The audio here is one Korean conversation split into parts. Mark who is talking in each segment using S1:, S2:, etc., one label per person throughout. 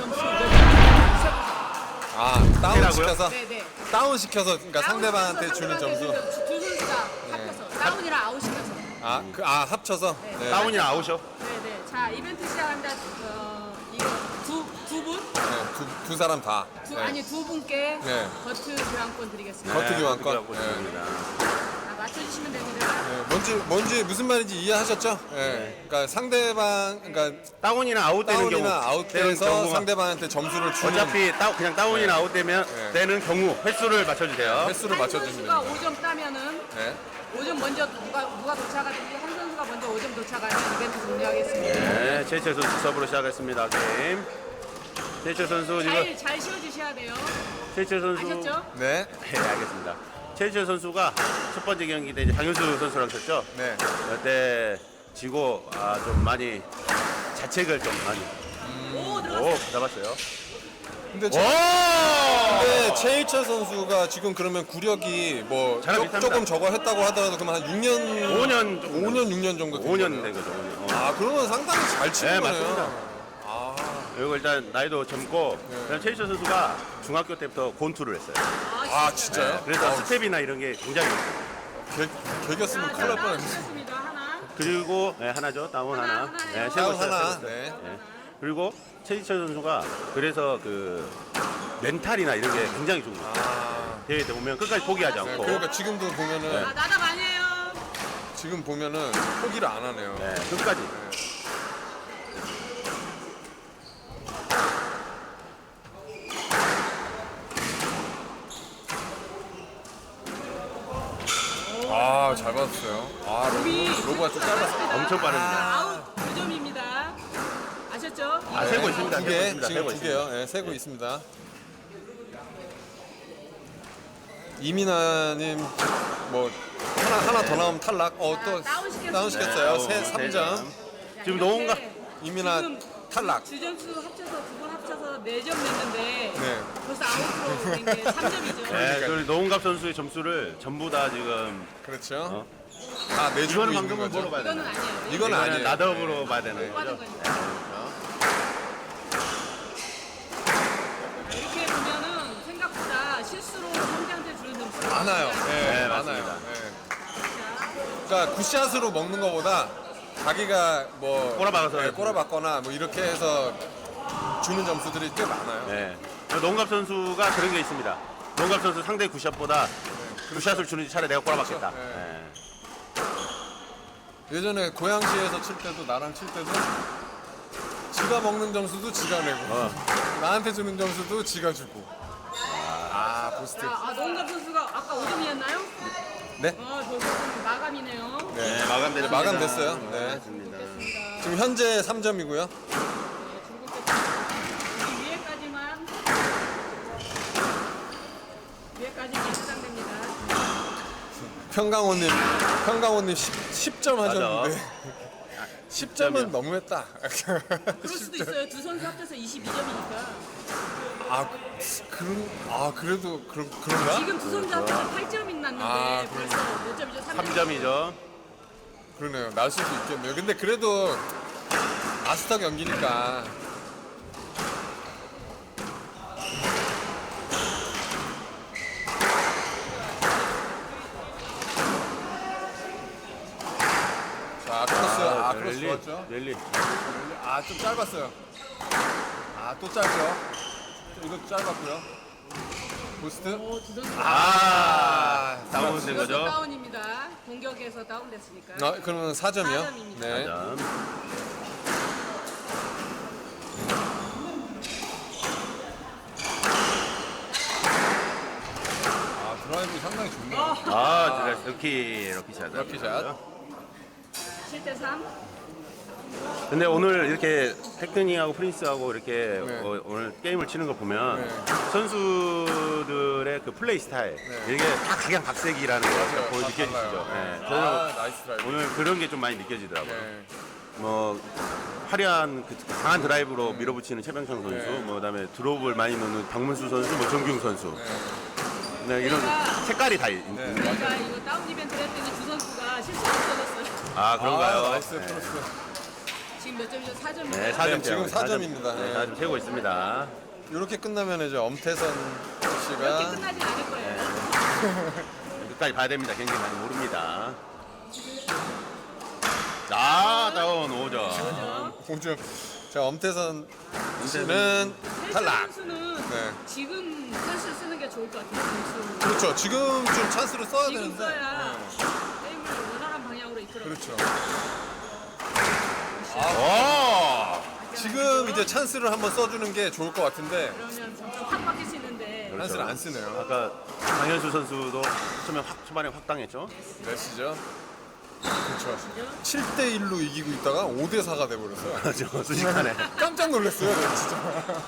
S1: 점수 몇 점인지
S2: 다운
S3: 해라고요?
S2: 시켜서
S1: 네네.
S2: 다운 시켜서 그러니까 상대방한테 주는 점수.
S1: 두 선수가 합쳐서 다운이랑 아웃 시켜서.
S2: 합쳐서. 네.
S3: 다운이나 아웃이요?
S1: 네네. 자 이벤트 시작합니다. 이거 두 분?
S2: 네, 두 사람 다. 네.
S1: 아니 두 분께
S2: 네.
S1: 버트 교환권 드리겠습니다.
S2: 버트 교환권.
S3: 네.
S1: 자, 맞춰주시면 됩니다.
S2: 뭔지 무슨 말인지 이해하셨죠? 네. 그러니까 상대방 그러니까
S3: 다운이나 아웃되는 경우.
S2: 다운이나 아웃돼서
S3: 경우가
S2: 상대방한테 점수를 주는
S3: 어차피 그냥 다운이나 아웃되면
S2: 네.
S3: 되는 경우 횟수를 맞춰주세요.
S2: 횟수를
S1: 한
S2: 맞춰주시면
S1: 선수가
S2: 됩니다.
S1: 5점 따면은
S2: 네.
S1: 5점 먼저 누가 도착하든지 한 선수가 먼저 5점 도착하면 이벤트 종료하겠습니다.
S3: 네, 최철 선수 서브로 시작했습니다. 게임. 최철 선수 지금
S1: 잘 씌워주셔야 돼요.
S3: 최철 선수.
S1: 아셨죠?
S2: 네.
S3: 네, 알겠습니다. 최철 선수가 첫 번째 경기 때 이제 장윤수 선수랑 쳤죠.
S2: 네.
S3: 그때 지고 좀 많이 자책을 좀 많이.
S1: 오 들어갔어요.
S3: 오, 잡았어요.
S2: 근데
S3: 오!
S2: 근데 최일철 선수가 지금 그러면 구력이 뭐
S3: 저랑 비슷합니다.
S2: 조금 저거 했다고 하더라도 그러면 한 6년
S3: 5년
S2: 6년 정도 된
S3: 5년
S2: 거네요.
S3: 된 거죠. 5년.
S2: 그러면 상당히 잘 치는
S3: 네,
S2: 거네요.
S3: 맞습니다. 그리고 일단 나이도 젊고 그다음 최일철 선수가 중학교 때부터 권투를 했어요.
S2: 진짜요?
S3: 그래서 스텝이나 이런 게 굉장히 좋아요.
S2: 개겼으면 큰일 날 뻔했네.
S1: 습니다 하나.
S3: 그리고 하나죠. 다운 하나.
S1: 하나예요.
S3: 네,
S2: 다운
S3: 세고
S2: 하나.
S3: 있어요.
S2: 네.
S3: 네. 그리고 최일철 선수가 그래서 그 멘탈이나 이런 게 굉장히 좋은 거예요. 대회 때 보면 끝까지 포기하지
S2: 네,
S3: 않고.
S2: 그러니까 지금도 보면은
S1: 나답 아니에요.
S2: 지금 보면은 포기를 안 하네요.
S3: 네, 끝까지.
S2: 잘 받았어요. 로브가 좀 짧았어요.
S3: 엄청 빠릅니다.
S1: 아웃 2점입니다. 아셨죠?
S3: 세고 있습니다.
S2: 두
S3: 세고
S2: 개,
S3: 있습니다.
S2: 지금
S3: 세고
S2: 두
S3: 있습니다.
S2: 개요. 네, 세고 있습니다. 이민아님 뭐 하나 더 나오면 탈락. 또
S1: 다운시켰습니다.
S2: 다운 시켰어요.
S3: 네,
S2: 3점.
S3: 지금 노은가
S2: 이민아
S1: 지금
S2: 탈락.
S1: 주점수 합쳐서 두 번 합쳐서 4점 냈는데
S2: 네.
S1: 벌써 아웃으로 된 게 3점이죠.
S3: 네, 그 노은갑 선수의 점수를 전부 다 지금
S2: 그렇죠. 다 내주고
S3: 이거는
S2: 있는
S3: 방금은
S2: 거죠.
S3: 물어봐야
S1: 이거는
S3: 되나요?
S1: 아니에요.
S2: 이건 아니에요.
S3: 나더브로 봐야 되는
S1: 못 받은
S3: 거죠.
S1: 거니까. 이렇게 보면은 생각보다 실수로 상대한테 주는 점수가
S2: 많아요.
S3: 네,
S2: 많아요.
S3: 맞습니다.
S2: 네. 그러니까 굿샷으로 먹는 것보다 자기가 뭐
S3: 꼬라박아서
S2: 꼬라박거나 뭐 이렇게 해서 주는 점수들이 꽤 많아요.
S3: 네. 노은갑 선수가 그런 게 있습니다. 노은갑 선수 상대 굿샷보다 굿샷을 주는지 차라리 내가 꼬라박겠다.
S2: 그렇죠. 네.
S3: 네.
S2: 예전에 고양시에서 칠 때도 나랑 칠 때도 지가 먹는 점수도 지가 내고 나한테 주는 점수도 지가 주고. 보스트.
S1: 노은갑 선수가 아까 5점이었나요?
S2: 네?
S1: 저는 마감이네요.
S2: 네.
S3: 마감됐습니다.
S2: 마감됐어요. 네.
S3: 마감됐습니다.
S2: 지금 현재 3점이고요.
S1: 위에까지만 해당됩니다.
S2: 평강호님 10점 하셨는데 10점은 너무했다.
S1: 그럴 수도 있어요. 두 선수 합쳐서 22점이니까.
S2: 그래도 그런가?
S1: 지금 두 선수 합쳐서 8점이 났는데 벌써 몇 점이죠?
S3: 3점이죠.
S2: 그러네요. 날 수도 있겠네요. 근데 그래도 아스타 경기니까. 자, 크로스. 크로스 좋았죠?
S3: 랠리.
S2: 좀 짧았어요. 또 짧죠? 이것도 짧았고요. 보스트.
S1: 두 선수
S3: 다운된 거죠.
S1: 다운입니다. 공격에서 다운됐으니까.
S2: 그러면 4점이요?
S1: 4점입니다.
S2: 네.
S3: 4점.
S2: 드라이브 상당히 좋네요.
S3: 럭키 샷.
S2: 럭키샷.
S1: 7대3.
S3: 근데 오늘 이렇게 테크닉하고 프린스하고 이렇게
S2: 네.
S3: 오늘 게임을 치는 거 보면
S2: 네.
S3: 선수들의 그 플레이 스타일 이게 다 각양각색이라는 거
S2: 맞아요.
S3: 거의
S2: 다
S3: 느껴지시죠?
S2: 달라요.
S3: 네. 저는
S2: 나이스 드라이브.
S3: 오늘 그런 게 좀 많이 느껴지더라고요.
S2: 네.
S3: 뭐 화려한 그 강한 드라이브로 밀어붙이는 최병창 선수,
S2: 네.
S3: 뭐 그다음에 드롭을 많이 넣는 박문수 선수, 뭐 정규웅 선수. 네, 이런 색깔이 다 있는.
S2: 네.
S1: 그러니까 이거 다운 이벤트를 했더니 두 선수가 실수로 없어졌어요.
S3: 그런가요?
S2: 나이스
S3: 네.
S2: 크로스.
S1: 지금 몇 점이죠? 4점이요?
S3: 네, 4점
S2: 네, 지금 4점입니다.
S3: 네, 4점 세고 있습니다.
S2: 이렇게 끝나면 이제 엄태선
S1: 이렇게
S2: 씨가
S1: 끝나진 않을 거예요.
S3: 끝까지 봐야 됩니다. 경기 많이 모릅니다. 자, 다운 5점.
S2: 5점. 자, 엄태선 씨는 탈락.
S1: 선수는
S2: 네.
S1: 지금 찬스 쓰는 게 좋을 것 같아요. 선수.
S2: 그렇죠. 지금 좀 찬스를 써야
S1: 지금
S2: 되는데.
S1: 써야
S2: 네.
S1: 게임을 원활한 방향으로 이끌어.
S2: 그렇죠.
S3: 오!
S2: 지금 이제 찬스를 한번 써주는 게 좋을 것 같은데
S1: 그러면 점점 확 바뀔 수 있는데
S2: 찬스를 안 쓰네요.
S3: 아까 강현수 선수도 초반에 확 당했죠.
S2: 몇 시죠? 그렇죠. 7대 1로 이기고 있다가 5대 4가 돼버렸어요.
S3: 저 순식간에.
S2: 깜짝 놀랐어요, 네, 진짜.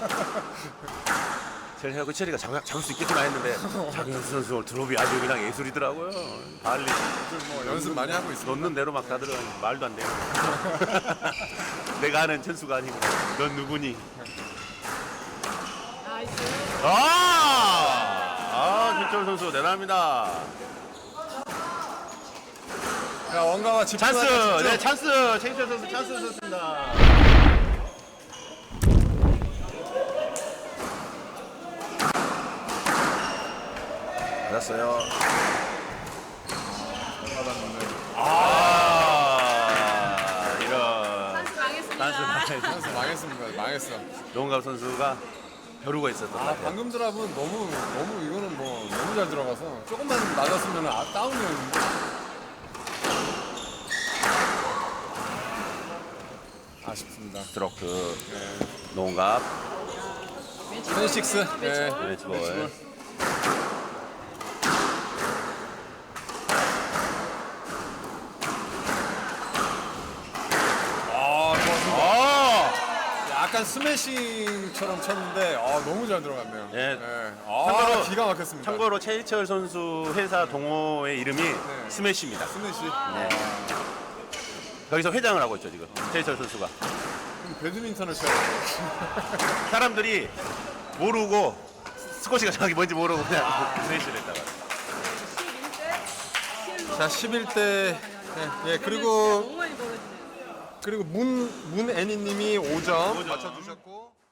S3: 제가 그 체리가 잡을 수 있겠구나 했는데 장현수 선수 오늘 드롭이 아주 그냥 예술이더라고요. 발리
S2: 뭐 연습 많이 하고 있습니다.
S3: 넣는 대로 막 다들 말도 안 돼요. 내가 아는 천수가 아니고 넌 누구니?
S1: 나이스.
S3: 김철 선수 대단합니다.
S2: 자, 원가와 집중하자,
S3: 찬스,
S2: 집중.
S3: 네 찬스. 최인철 선수 찬스 줬습니다. 받았어요. 이런
S1: 찬스 망했습니다.
S2: 찬스 망했습니다. 망했어.
S3: 노원갑 선수가 벼루가 있었던 것 같아요.
S2: 방금 드랍은 너무 이거는 뭐 너무 잘 들어가서 조금만 낮았으면 다운이었는데. 아쉽습니다.
S3: 스트로크 노원갑
S2: 텐식스. 네.
S3: 매치볼.
S2: 약간 스매싱처럼 쳤는데 너무 잘 들어갔네요.
S3: 네.
S2: 참고로 기가 막혔습니다.
S3: 참고로 최희철 선수 회사 동호회 이름이 스매시입니다.
S2: 스매시.
S3: 네. 거기서 회장을 하고 있죠 지금 최희철 선수가.
S2: 그럼 배드민턴을 쳐야 돼요.
S3: 사람들이 모르고 스코시가 정확히 뭔지 모르고 그냥 스매시를 했다가.
S1: 11대 7로.
S2: 자, 11대. 예, 그리고
S1: 너무 많이 벌어지네요.
S2: 문애니님이 5점 맞춰주셨고.